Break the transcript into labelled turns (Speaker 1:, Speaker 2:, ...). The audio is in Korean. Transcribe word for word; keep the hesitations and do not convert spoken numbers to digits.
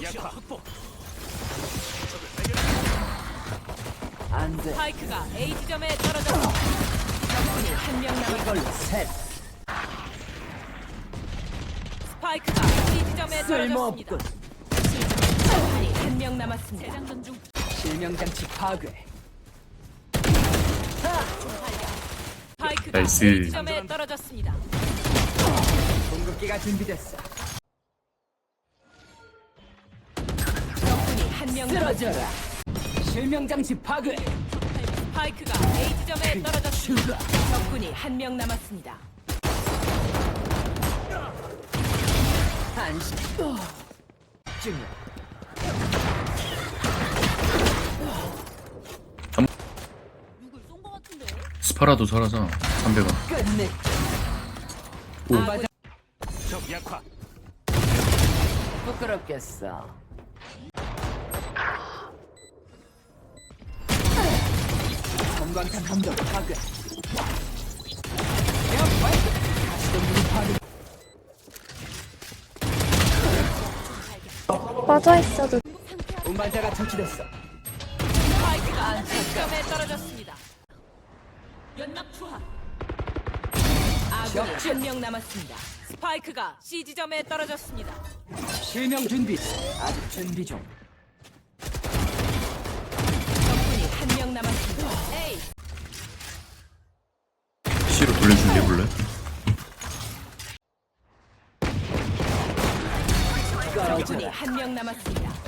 Speaker 1: 약화 확보.
Speaker 2: 안돼.
Speaker 3: 스파이크가 A 지점에 떨어졌습니다. 적군이 한 명 남았습니다.
Speaker 2: 이걸로 셋.
Speaker 3: 스파이크가 B 지점에 떨어졌습니다.
Speaker 2: 쓸모없군.
Speaker 3: 적군이 한 명 남았습니다. 재장전 중.
Speaker 2: 실명장치 파괴.
Speaker 3: 스파이크가
Speaker 4: 나이스.
Speaker 3: A 지점에 떨어졌습니다.
Speaker 2: 공격기가 준비됐어.
Speaker 3: 적군이 한 명 남았습니다.
Speaker 2: 쓰러져라. 실명장치 파괴.
Speaker 3: 스파이크가 A 지점에 떨어졌습니다.
Speaker 2: 슈가.
Speaker 3: 적군이 한 명 남았습니다.
Speaker 2: 한시. 증명.
Speaker 3: 누굴 쏜 거 같은데?
Speaker 4: 스파라도 살아서 삼백원.
Speaker 2: 끝내.
Speaker 4: 오.
Speaker 2: 맞아.
Speaker 1: 적 약화.
Speaker 2: 부끄럽겠어. 성광탄 함정 파괴. 에어 파이트. 다시 동물이 파괴.
Speaker 5: 빠져 있어도
Speaker 2: 운반자가 처치됐어.
Speaker 3: 스파이크가 A 지점에 떨어졌습니다. 연막 투하. 아군이 한 명 남았습니다. 스파이크가 C 지점에 떨어졌습니다.
Speaker 2: 실명 준비. 아직 준비 중.
Speaker 3: 적군이 한 명 남았습니다. A
Speaker 4: C로 돌려줄래 볼래?
Speaker 3: 적군이 한 명 남았습니다.